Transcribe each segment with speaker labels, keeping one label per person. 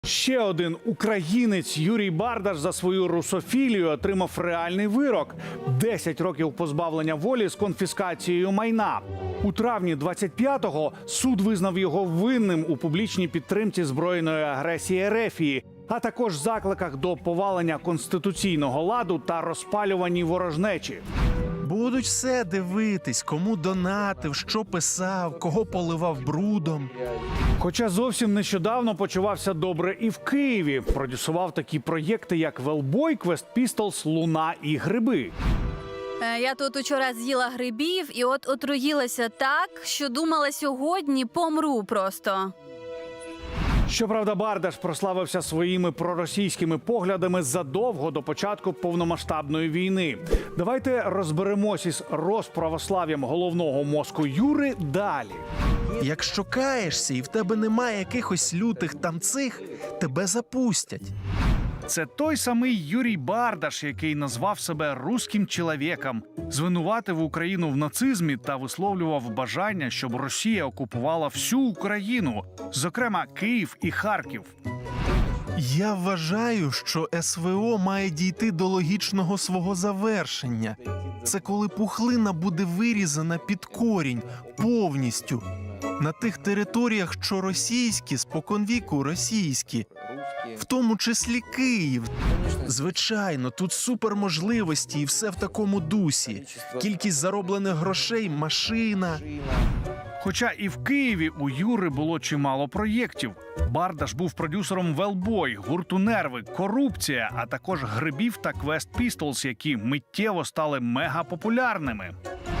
Speaker 1: Ще один українець Юрій Бардаш за свою русофілію отримав реальний вирок – 10 років позбавлення волі з конфіскацією майна. У травні 25-го суд визнав його винним у публічній підтримці збройної агресії Ерефії, а також закликах до повалення конституційного ладу та розпалюванні ворожнечі.
Speaker 2: Будуть все дивитись, кому донатив, що писав, кого поливав брудом.
Speaker 1: Хоча зовсім нещодавно почувався добре і в Києві. Продюсував такі проєкти, як «Велбой», «Квест Пістолс», «Луна» і «Гриби».
Speaker 3: Я тут учора з'їла грибів і от отруїлася так, що думала, сьогодні помру просто.
Speaker 1: Щоправда, Бардаш прославився своїми проросійськими поглядами задовго до початку повномасштабної війни. Давайте розберемось із розправослав'ям головного мозку Юри далі.
Speaker 2: Якщо каєшся і в тебе немає якихось лютих там цих, тебе запустять.
Speaker 1: Це той самий Юрій Бардаш, який назвав себе «русським чоловіком», звинуватив Україну в нацизмі та висловлював бажання, щоб Росія окупувала всю Україну, зокрема Київ і Харків.
Speaker 2: Я вважаю, що СВО має дійти до логічного свого завершення. Це коли пухлина буде вирізана під корінь, повністю. На тих територіях, що російські, споконвіку російські. В тому числі Київ. Звичайно, тут суперможливості і все в такому дусі. Кількість зароблених грошей, машина.
Speaker 1: Хоча і в Києві у Юри було чимало проєктів. Бардаш був продюсером «Велбой», гурту «Нерви», «Корупція», а також «Грибів» та «Квест Пістолс», які миттєво стали мегапопулярними.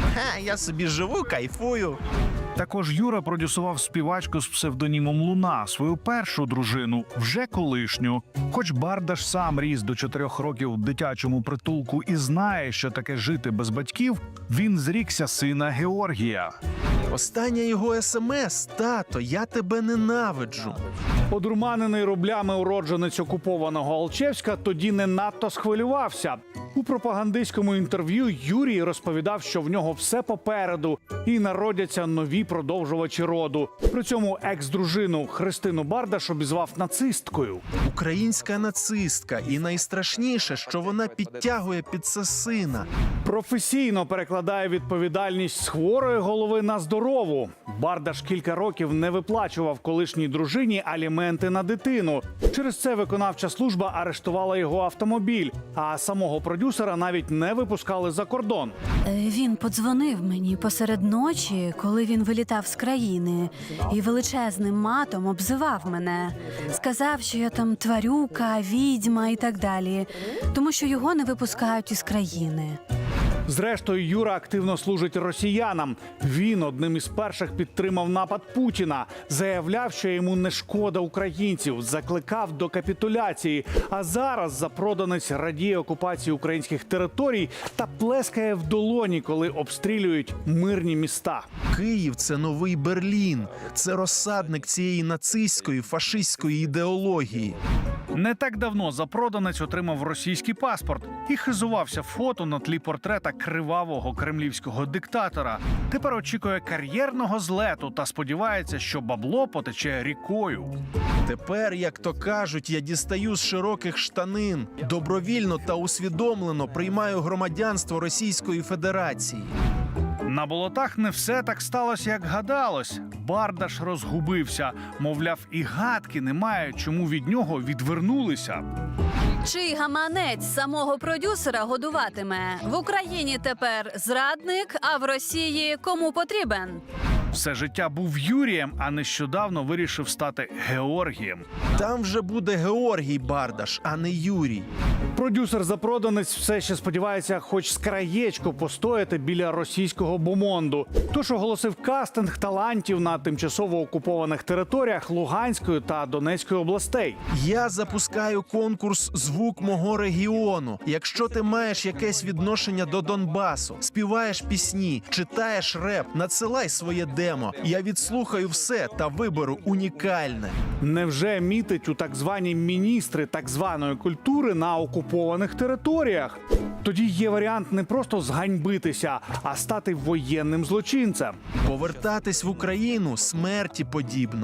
Speaker 2: Я собі живу, кайфую.
Speaker 1: Також Юра продюсував співачку з псевдонімом Луна, свою першу дружину, вже колишню. Хоч Бардаш сам ріс до 4 років в дитячому притулку і знає, що таке жити без батьків, він зрікся сина Георгія.
Speaker 2: Остання його смс: «Тато, я тебе ненавиджу».
Speaker 1: Одурманений рублями уродженець окупованого Алчевська тоді не надто схвилювався. У пропагандистському інтерв'ю Юрій розповідав, що в нього все попереду і народяться нові продовжувачі роду. При цьому екс-дружину Христину Бардаш обізвав нацисткою.
Speaker 2: Українська нацистка. І найстрашніше, що вона підтягує під це сина.
Speaker 1: Професійно перекладає відповідальність з хворої голови на здорову. Бардаш кілька років не виплачував колишній дружині аліменти на дитину. Через це виконавча служба арештувала його автомобіль, а самого продюсера навіть не випускали за кордон.
Speaker 3: Він подзвонив мені посеред ночі, коли він вилітав з країни, і величезним матом обзивав мене. Сказав, що я там тварюка, відьма і так далі, тому що його не випускають із країни.
Speaker 1: Зрештою, Юра активно служить росіянам. Він одним із перших підтримав напад Путіна, заявляв, що йому не шкода українців, закликав до капітуляції. А зараз запроданець радіє окупації українських територій та плескає в долоні, коли обстрілюють мирні міста.
Speaker 2: Київ – це новий Берлін. Це розсадник цієї нацистської, фашистської ідеології.
Speaker 1: Не так давно запроданець отримав російський паспорт і хизувався фото на тлі портрета кривавого кремлівського диктатора. Тепер очікує кар'єрного злету та сподівається, що бабло потече рікою.
Speaker 2: Тепер, як то кажуть, я дістаю з широких штанин. Добровільно та усвідомлено приймаю громадянство Російської Федерації.
Speaker 1: На болотах не все так сталося, як гадалось. Бардаш розгубився. Мовляв, і гадки немає, чому від нього відвернулися.
Speaker 3: Чий гаманець самого продюсера годуватиме? В Україні тепер зрадник, а в Росії кому потрібен?
Speaker 1: Все життя був Юрієм, а нещодавно вирішив стати Георгієм.
Speaker 2: Там вже буде Георгій Бардаш, а не Юрій.
Speaker 1: Продюсер-запроданець все ще сподівається хоч з краєчку постояти біля російського бомонду. Тож оголосив кастинг талантів на тимчасово окупованих територіях Луганської та Донецької областей.
Speaker 2: Я запускаю конкурс «Звук мого регіону». Якщо ти маєш якесь відношення до Донбасу, співаєш пісні, читаєш реп, надсилай своє демо. Я відслухаю все та виберу унікальне.
Speaker 1: Невже мітить у так звані міністри так званої культури на окупованих територіях? Тоді є варіант не просто зганьбитися, а стати воєнним злочинцем.
Speaker 2: Повертатись в Україну смерті подібно.